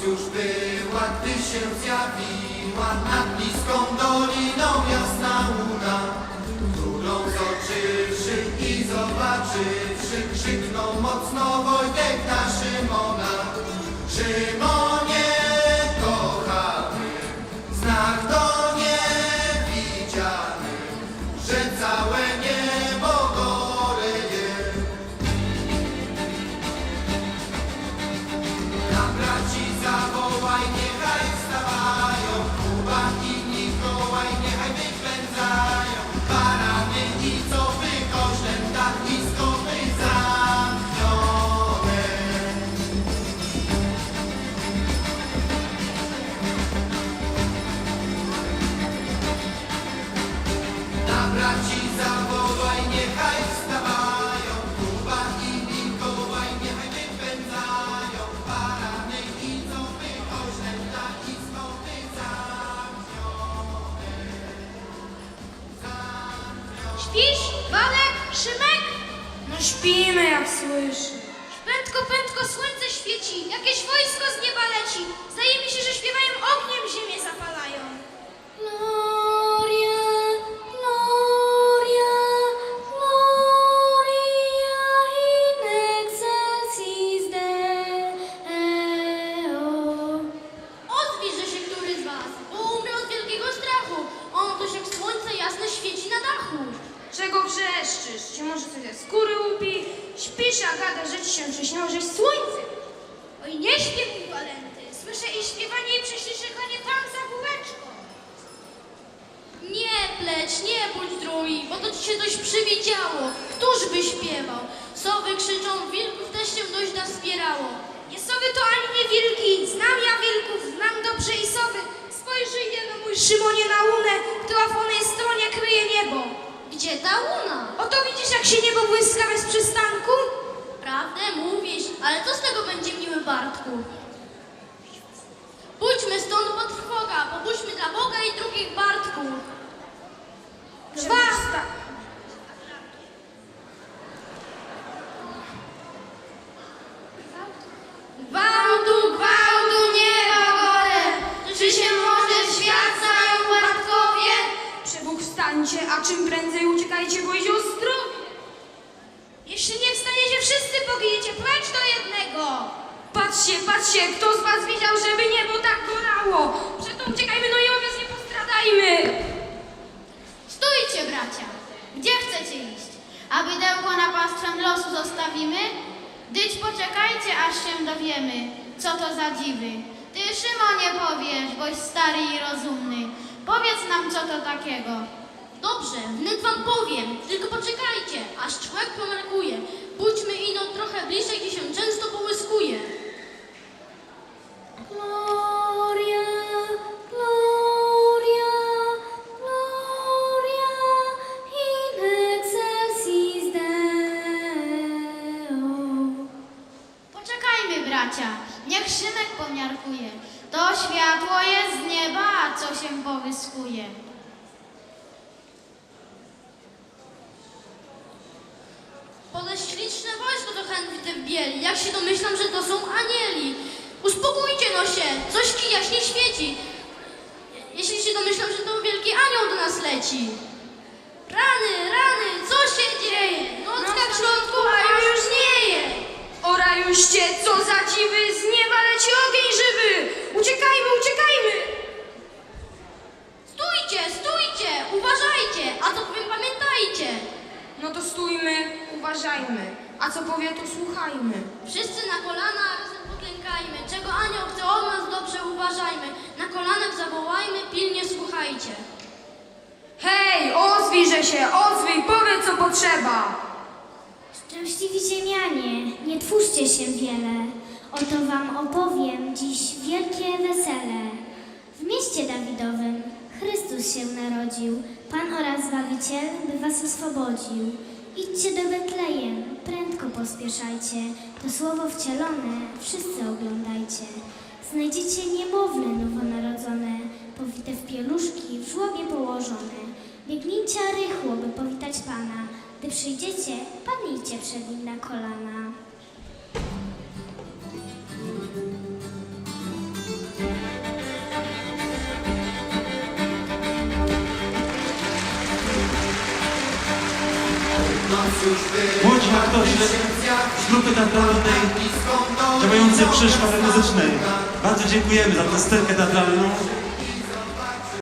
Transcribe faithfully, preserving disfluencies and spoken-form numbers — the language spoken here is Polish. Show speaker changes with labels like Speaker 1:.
Speaker 1: już była, gdy się zjawiła nad bliską doliną jasna łuna, którą zobaczywszy i zobaczywszy, krzyknął mocno Wojtek na Szymona. Szymonie kochany, znak to niewidziany, że całe niebo goreje. Na braci zawołaj, niechaj wstawają, Kuba i Mikołaj niechaj wypędzają barany i cofy kosztem tak nisko zamknione. Na braci zawołaj, niechaj wstawają, Kuba i Mikołaj niechaj wypędzają barany i cofy kosztem tak nisko zamknione.
Speaker 2: Śpisz, Walek, Szymek?
Speaker 3: No śpimy, jak słyszy.
Speaker 2: Prędko, prędko słońce świeci, jakieś wojsko z nieba leci. Zdaje mi się, że śpiewają ogniem, ziemię zapalają.
Speaker 3: Gloria, gloria, gloria in excelsis Deo.
Speaker 2: Odwiże się który z was, bo umrę od wielkiego strachu. On toż jak słońce jasne świeci na dachu.
Speaker 3: Czego wrzeszczysz? Czy może coś ze skóry łupi? Śpisz, a gada, że ci się przyśniło, żeś słońce.
Speaker 2: Oj, nie śpię, mój Walenty. Słyszę i śpiewanie i prześliczekanie tam za kółeczko. Nie pleć, nie bądź drugi, bo to ci się coś przywidziało. Któż by śpiewał? Sowy krzyczą, wilków też się dość naspierało.
Speaker 3: Nie sowy to ani nie wilki. Znam ja wilków, znam dobrze i sowy. Spojrzyj no mój Szymonie na łunę, która w onej stronie kryje niebo.
Speaker 2: Gdzie ta łuna?
Speaker 3: Oto widzisz, jak się niebo błyska bez przystanku?
Speaker 2: Prawdę mówisz, ale co z tego będzie, miły Bartku? Pójdźmy stąd pod trwoga, pobudźmy dla Boga i drugich Bartku.
Speaker 3: Basta!
Speaker 2: Gwałtu, gwałtu, nieba gole, czy się może świat zajął Bartkowie?
Speaker 3: Przebóg wstańcie, a czym prędzej uciekajcie, bo idzie o zdrowie.
Speaker 2: Jeśli nie wstaniecie, wszyscy poginiecie, precz do jednego.
Speaker 3: Patrzcie, patrzcie, kto z was widział, żeby niebo tak gorało? Przeto uciekajmy, no i owiec nie postradajmy.
Speaker 2: Stójcie, bracia, gdzie chcecie iść? A bydełko na pastwę losu zostawimy? Dyć poczekajcie, aż się dowiemy, co to za dziwy. Ty, Szymonie, powiesz, boś stary i rozumny. Powiedz nam, co to takiego. Dobrze, wnet wam powiem, tylko poczekajcie, aż człowiek pomarkuje. Pójdźmy ino trochę bliżej, gdzie się często połyskuje.
Speaker 3: Gloria, gloria, gloria in excelsis Deo.
Speaker 2: Poczekajmy, bracia, niech Szymek pomiarkuje. To światło jest z nieba, co się powyskuje. Poleś śliczne wojsko to chętnie w bieli. Jak się domyślam, że to są anieli. Uspokójcie no się, coś ci jaśnie świeci. Jeśli się domyślam, że to wielki anioł do nas leci. Rany, rany, co się dzieje? Nocka w środku, a już żnieje.
Speaker 3: O rajuście, co za dziwy, z nieba leci ogień żywy. Uciekajmy, uciekajmy.
Speaker 2: Stójcie, stójcie, uważajcie, a co powiem, pamiętajcie.
Speaker 3: No to stójmy, uważajmy, a co powie, to słuchajmy.
Speaker 2: Wszyscy na kolana, a razem poklękajmy. Czego anioł chce od nas, dobrze uważajmy. Na kolanach zawołajmy, pilnie słuchajcie.
Speaker 3: Hej, ozwijże się, ozwij, powiedz, co potrzeba.
Speaker 4: Szczęśliwi ziemianie, nie twórzcie się wiele, oto wam opowiem dziś wielkie wesele. W mieście Dawidowym Chrystus się narodził, Pan oraz Zbawiciel, by was oswobodził. Idźcie do Betlejem, prędko pospieszajcie, to słowo wcielone wszyscy oglądajcie. Znajdziecie niemowlę nowonarodzone, powite w pieluszki, w żłobie położone. Biegnijcie rychło, by powitać Pana. Gdy przyjdziecie, padnijcie przed Nim na kolana.
Speaker 5: młodzi aktorzy z grupy teatralnej działającej przy szkole muzycznej. Bardzo dziękujemy za tę scenkę teatralną.